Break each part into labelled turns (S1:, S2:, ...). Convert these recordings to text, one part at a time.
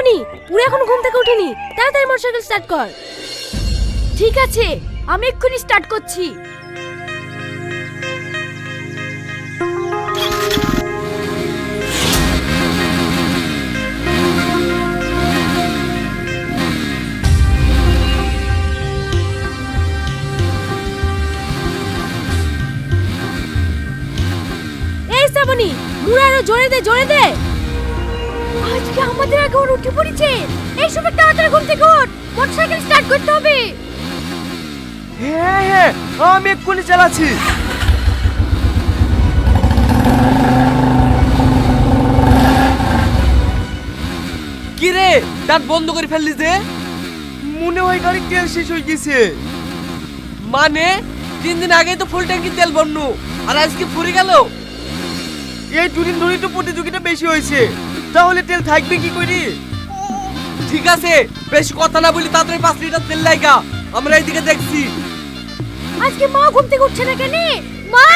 S1: শ্রাবণী, পুরো এখন ঘুম থেকে উঠেনি, তাড়াতাড়ি মোটরসাইকেল স্টার্ট কর। ঠিক আছে, আমি এক্ষুনি স্টার্ট করছি। এই শ্রাবণী, মুড়ে আরো জোরে দে, জোরে দে। আজকে আমাদের আগে ওর উঠে পড়েছে। এই সময় তাড়াতাড়ি ঘুম থেকে ওঠ, মোটরসাইকেল স্টার্ট করতে হবে।
S2: হ্যাঁ হ্যাঁ, আমি এক্ষুনি চালাচ্ছি।
S3: কি রে, দাঁত বন্ধ করে ফেললি যে?
S2: মনে হয় গাড়ির তেল শেষ হয়ে গেছে।
S3: মানে 3 দিন আগে তো ফুল ট্যাঙ্কি তেল ভরনু, আর আজকে ফুরে গেল।
S2: এই দুদিন ধরেই তো প্রতিযোগিতা বেশি হয়েছে, তাহলে তেল থাকবে কি করি?
S3: ঠিক আছে, বেশি কথা না বলি তাড়াতাড়ি 5 লিটার তেল লাগা, আমরা এইদিকে দেখছি।
S1: আজকে মা ঘুম থেকে উঠছে না কেন? মা!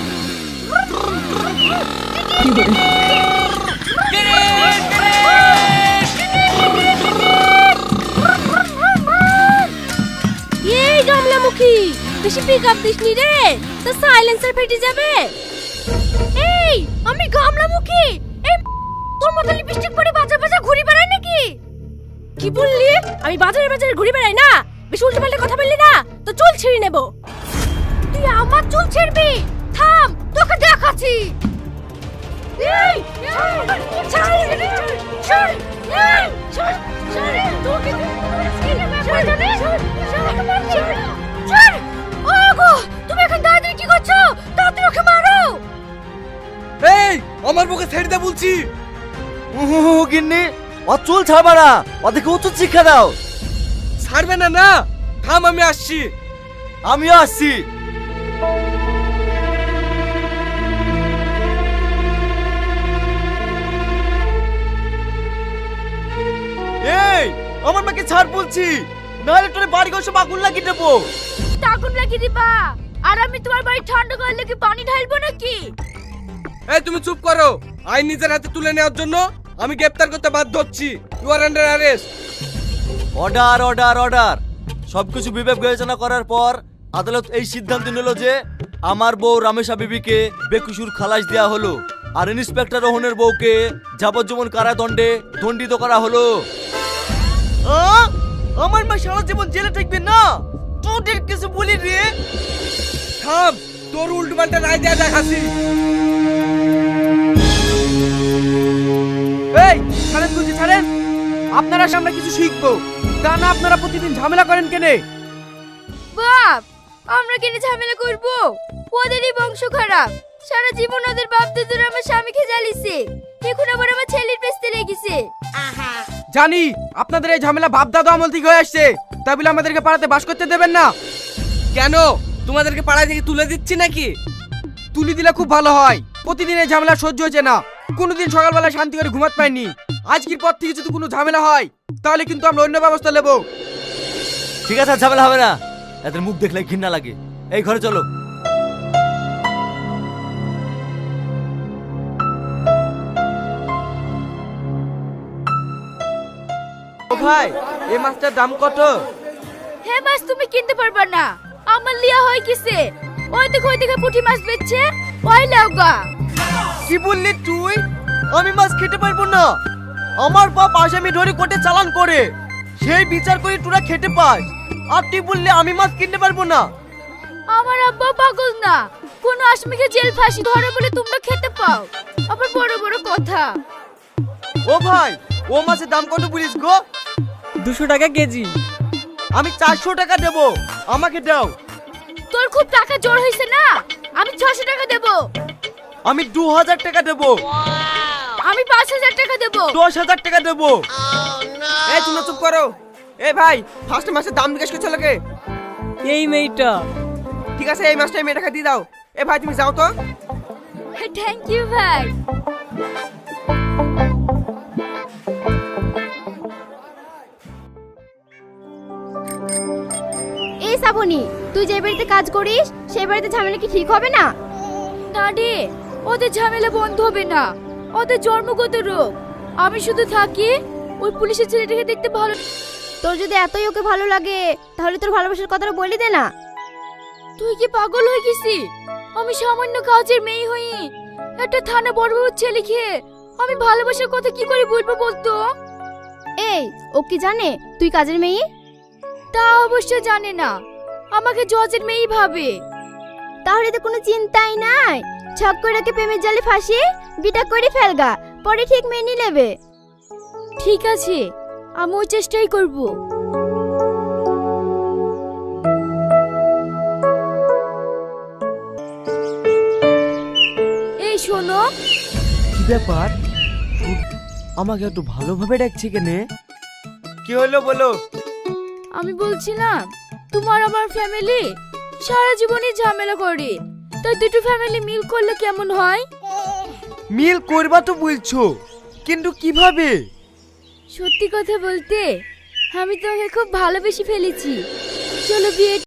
S1: এই গামলামুখী, বেশি পিক আপ দিসনি রে, তো সাইলেন্সার ফেটে যাবে। এই আমি গামলামুখী, এই তোর মতো লিপস্টিক পরে বাজার বাজার ঘুরে বেড়াই নাকি? কি বললি? আমি বাজারে বাজারে ঘুরে বেড়াই না? বেশি উল্টোপাল্টা কথা বললি না তো চুল ছিঁড়ে নেব। তুই আমার চুল ছিঁড়বি? থাম, তোকে দেখাচ্ছি। এই ছাড়, ছাড়, এই ছাড়, ছাড়, তোকে ছিঁড়ে ব্যাপার জানে? ছাড়, ওগো, তুমি এখন দাঁড়িয়ে কি করছো? তাড়াতাড়ি ওকে মারো।
S3: এই আমার বুকে ছেড়ে দে বলছি।
S2: গিন্নি, ও চুল ছাড়বা না, ওদেরকে উচিত শিক্ষা দাও।
S3: ছাড়বে না? না থাম, আমি আসছি।
S2: আমিও আসছি। এই আমার মাকে ছাড় বলছি, নাহলে তোর বাড়ি ঘর সব আগুন লাগিয়ে দেবো।
S1: আগুন লাগিয়ে দিবা, আর আমি তোমার বাড়ি ঠান্ডা করলে কি পানি ঢালবো নাকি?
S3: এই তুমি চুপ করো। আইন নিজের হাতে তুলে নেওয়ার জন্য আমি গ্রেফতার করতে বাধ্য হচ্ছি। You are under arrest.
S2: Order order order. সবকিছু বিবেক বিবেচনা করার পর আদালত এই সিদ্ধান্ত নিল যে আমার বউ রামেশা বিবিকে বেকসুর খালাস দেওয়া হলো, আর ইন্সপেক্টর রোহনের বউকে যাবজ্জীবন কারাদণ্ডে দণ্ডিত করা হলো। আমার মা সারা জীবন জেলে থাকবে না, তোদের কিছু বলি রে।
S3: থাম, তোর উল্টোপাল্টা রায় দেয়া দেখাচ্ছি।
S4: এই ছাড়েন বুঝি, ছাড়েন। আপনারা সামনে কিছু শিখবো, তা না আপনারা প্রতিদিন ঝামেলা করেন কেনে?
S1: বাপ, আমরা কেন ঝামেলা করব? ওদেরই বংশ খারাপ, সারা জীবন ওদের বাপ দাদুরা আমার স্বামীকে জ্বালিয়েছে, এখন আবার আমার ছেলের পেছতে লেগেছে।
S4: জানি আপনাদের এই ঝামেলা বাপ দাদা আমল থেকে হয়ে আসছে, তাই বলে আমাদেরকে পাড়াতে বাস করতে দেবেন না।
S3: কেন, তোমাদেরকে পাড়ায় থেকে তুলে দিচ্ছি নাকি?
S4: তুলি দিলে খুব ভালো হয়, প্রতিদিন এই ঝামেলা সহ্য হচ্ছে না, কোনোদিন সকালবেলা শান্তি করে ঘুমাতে পাইনি। আজকের পর থেকে যদি কোনো ঝামেলা হয় তাহলে কিন্তু আমরা অন্য ব্যবস্থা নেব।
S2: ঠিক আছে, আর ঝামেলা হবে না। এদের মুখ দেখলে ঘৃণা লাগে। এই ঘরে চলো।
S4: ও ভাই, এই মাছটার দাম কত?
S1: হ্যাঁ মাছ তুমি কিনতে পারবা না, আমার লিয়া হয় কিসে? ওই দেখে পুঁটি মাছ বেচছে, ওই লাউগা।
S2: কি বললি তুই? আমি মাছ খেতে পারবো না। আমার বাপ আসামি ধরে কোর্টে চালান করে, সেই বিচার করে তোরা খেতে পাস, আর তুই বললি আমি মাছ কিনতে পারবো না?
S1: আমার আব্বা পাগল না, কোন আসামিকে জেল ফাঁসি ধরে বলে তোমরা খেতে পাও? আবার বড় বড় কথা।
S2: ও ভাই, ও মাছের দাম কত বলিস গো?
S4: 200 টাকা কেজি।
S2: আমি 400 টাকা দেবো, আমাকে দাও।
S1: তোর খুব টাকা জোর হয়েছে না, আমি 600 টাকা দেব।
S2: আমি 2000 টাকা দেবো।
S1: আমি 5000 টাকা দেব।
S2: 10,000 টাকা দেবো।
S4: এই তুমি চুপ করো। এই ভাই, ফার্স্ট মাছের দাম জিজ্ঞেস করছো লোকে?
S5: এই মেয়েটা।
S4: ঠিক আছে, এই মাছটা মেয়েটাকে দিয়ে দাও। এ ভাই তুমি যাও তো।
S1: থ্যাংক ইউ ভাই।
S6: এই শ্রাবণী, তুই যে বাড়িতে কাজ করিস সেই বাড়িতে ঝামেলা কি ঠিক হবে না?
S1: না রে, ওদের ঝামেলা বন্ধ হবে না, ওদের জন্মগত রোগ। আমি শুধু থাকি, ওই পুলিশের ছেলেটাকে দেখতে ভালো।
S6: তোর যদি এতই ওকে ভালো লাগে তাহলে তোর ভালোবাসার কথাটা বলি দে না।
S1: তুই কি পাগল হয়ে গেছি? আমি সামান্য কাজের মেয়ে হই, একটা থানা বড়বাবুর ছেলে খেয়ে আমি ভালোবাসার কথা কি করে বলবো বলতো?
S6: এই ও কি জানে তুই কাজের মেয়ে?
S1: তা অবশ্য জানে না, আমাকে জজের মেয়েই ভাবে।
S6: তাহলে তো কোনো চিন্তাই নাই, ছক করে ওকে প্রেমের জালে ফাঁসি বিটা করে ফেলগা, পরে ঠিক মেনে নেবে।
S1: ঠিক আছে, আমি ওই চেষ্টাই করব। এই শোনো,
S2: কি ব্যাপার? আমাকে একটু ভালোভাবে ডাকছে কেনে? কি হলো বলো?
S1: আমি বলছিলাম তোমার আমার ফ্যামিলি সারা জীবনই ঝামেলা করে, তাই দুটো ফ্যামিলি মিল করলে কেমন হয়?
S4: মিল করবা তো বলছো, কিন্তু কিভাবে?
S1: সত্যি কথা বলতে আমি তোমাকে খুব ভালোবেসে ফেলেছি। চলো বিয়ে